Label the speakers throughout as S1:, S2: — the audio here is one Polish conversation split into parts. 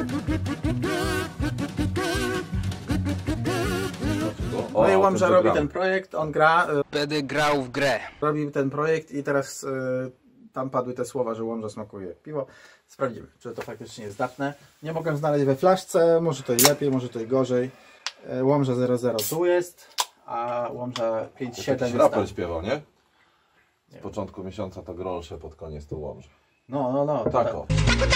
S1: No i Łomża robi ten projekt, on gra.
S2: Będę grał w grę.
S1: Robi ten projekt i teraz tam padły te słowa, że Łomża smakuje piwo. Sprawdzimy, czy to faktycznie jest zdatne. Nie mogę znaleźć we flaszce, może to i lepiej, może to i gorzej. Łomża 00 tu jest, a Łomża 57 jest
S3: raper
S1: tam.
S3: śpiewał, nie? Z początku miesiąca to grolsze, pod koniec to Łomża.
S1: No.
S3: Tak o.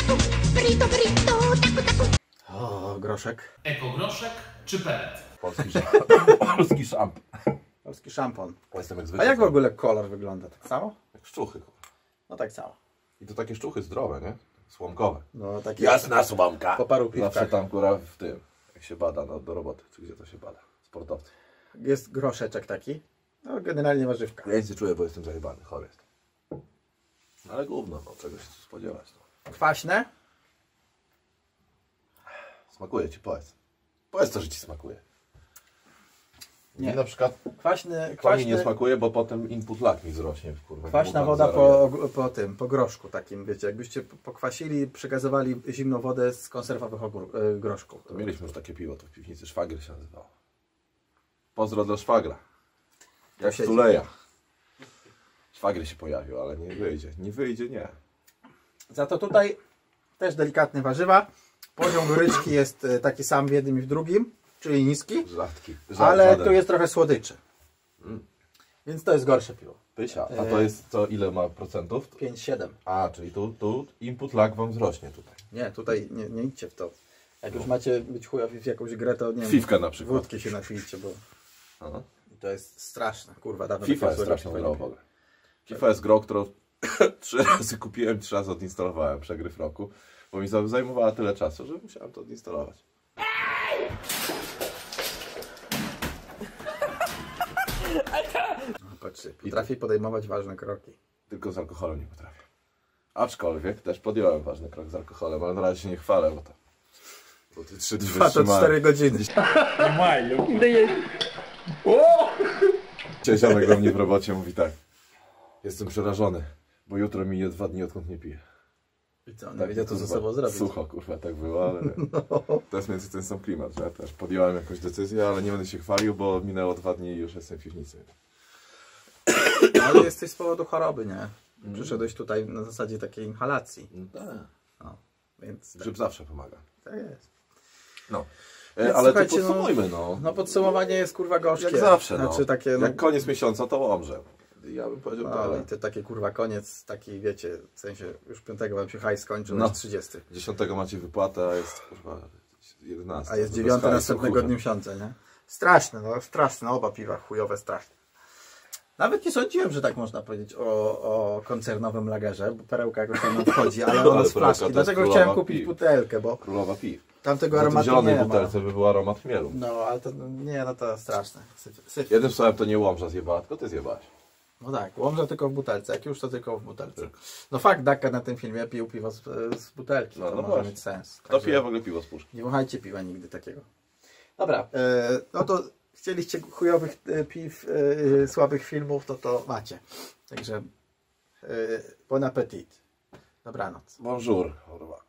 S1: O, groszek.
S4: Ekogroszek czy pelet?
S3: Polski szamp.
S1: Polski szampon.
S3: Jestem jak
S1: A
S3: zwykle.
S1: jak w ogóle kolor wygląda? Tak samo?
S3: Jak szczuchy.
S1: No tak samo.
S3: I to takie szczuchy zdrowe, nie? Słomkowe.
S1: No takie
S3: Jasna słomka.
S1: po paru
S3: Zawsze
S1: piwkach.
S3: tam góra w tym, jak się bada do roboty, czy gdzie to się bada. Sportowcy.
S1: Jest groszeczek taki. No generalnie warzywka.
S3: Ja nic nie czuję, bo jestem zajebany, chory jestem. No ale gówno, no czegoś się spodziewać. No.
S1: Kwaśne?
S3: Smakuje ci, powiedz. Powiedz to, że ci smakuje.
S1: Nie.
S3: Mi na przykład
S1: Kwaśny,
S3: to mi nie smakuje, bo potem input lag mi wzrośnie. Kurwa,
S1: kwaśna woda po groszku takim, wiecie, jakbyście pokwasili, przekazywali zimną wodę z konserwowych groszków.
S3: To mieliśmy już takie piwo, to w piwnicy Szwagier się nazywało. Pozdro dla szwagra. Jak
S1: siedzi.
S3: Tuleja. Szwagier się pojawił, ale nie wyjdzie. Nie wyjdzie, nie.
S1: Za to tutaj też delikatne warzywa. Poziom goryczki jest taki sam w jednym i w drugim, czyli niski,
S3: Rzadki.
S1: ale
S3: Żaden.
S1: tu jest trochę słodyczy. Więc to jest gorsze piwo.
S3: Pysia. A to jest to ile ma procentów?
S1: 5,7.
S3: A, czyli tu input lag wam wzrośnie tutaj.
S1: Nie, tutaj nie idźcie w to. Jak już macie być chujowi w jakąś grę, to nie wiem,
S3: Fifka na przykład.
S1: wódki się napijcie, bo
S3: Aha.
S1: to jest straszne, kurwa. Dawno
S3: FIFA
S1: takiego
S3: jest
S1: złego
S3: straszną
S1: piwa
S3: grą
S1: nie
S3: w
S1: piłem.
S3: ogóle. FIFA jest grą, którą 3 razy kupiłem, 3 razy odinstalowałem, przegryw roku, bo mi zajmowała tyle czasu, że musiałem to odinstalować.
S1: No, patrzcie, potrafi podejmować ważne kroki.
S3: Tylko z alkoholem nie potrafię. Aczkolwiek też podjąłem ważny krok z alkoholem, ale na razie się nie chwalę, bo te 3 dni
S1: Trwa to 4 godziny.
S3: Dzisiaj ziomek do mnie w robocie mówi tak. Jestem przerażony, bo jutro minie 2 dni, odkąd nie piję.
S1: I co, nie wiedział co ze sobą zrobić.
S3: Sucho, kurwa, tak było, ale to jest między ten sam klimat, że ja też podjąłem jakąś decyzję, ale nie będę się chwalił, bo minęło 2 dni i już jestem w piwnicy.
S1: Ale jesteś z powodu choroby, nie? Przyszedłeś tutaj na zasadzie takiej inhalacji.
S3: No tak.
S1: No, więc
S3: Grzyb zawsze pomaga.
S1: tak jest.
S3: No.
S1: Więc
S3: Ale to
S1: słuchajcie,
S3: podsumujmy, no.
S1: No podsumowanie jest kurwa gorzkie.
S3: Jak zawsze,
S1: Znaczy
S3: no.
S1: takie, no,
S3: Jak koniec miesiąca, to Łomżę. Ja bym powiedział
S1: no,
S3: dalej.
S1: i to takie kurwa koniec, taki wiecie, w sensie już 5 wam się hajs skończył,
S3: No.
S1: jest 30.
S3: 10 macie wypłatę, a jest kurwa 11.
S1: A jest
S3: Bez
S1: 9
S3: hajsu,
S1: następnego
S3: kurwa.
S1: dnia miesiąca, nie? Straszne, no straszne, oba piwa chujowe, straszne. Nawet nie sądziłem, że tak można powiedzieć o koncernowym lagerze, bo perełka jakoś tam nam wchodzi, ale ono
S3: Ale
S1: z
S3: perełka
S1: flaszki.
S3: to jest
S1: Dlatego
S3: królowa
S1: chciałem kupić
S3: piw.
S1: butelkę, bo
S3: Królowa piw.
S1: tamtego
S3: Na tej
S1: aromatu
S3: zielonej
S1: nie ma.
S3: butelce by był aromat chmielu.
S1: No, ale to nie, no to straszne. Syf.
S3: Jednym słowem to nie Łomża zjebała, tylko ty zjebałeś.
S1: No tak, Łomża tylko w butelce, jak już to tylko w butelce. No fakt, Daka na tym filmie pił piwo z butelki,
S3: No,
S1: to
S3: no
S1: może
S3: właśnie.
S1: mieć sens.
S3: Kto
S1: Także
S3: pije w ogóle piwo z puszki?
S1: nie wąchajcie piwa nigdy takiego. Dobra, no to chcieliście chujowych piw, słabych filmów, to macie. Także bon appetit. Dobranoc.
S3: Bonjour, kurwa.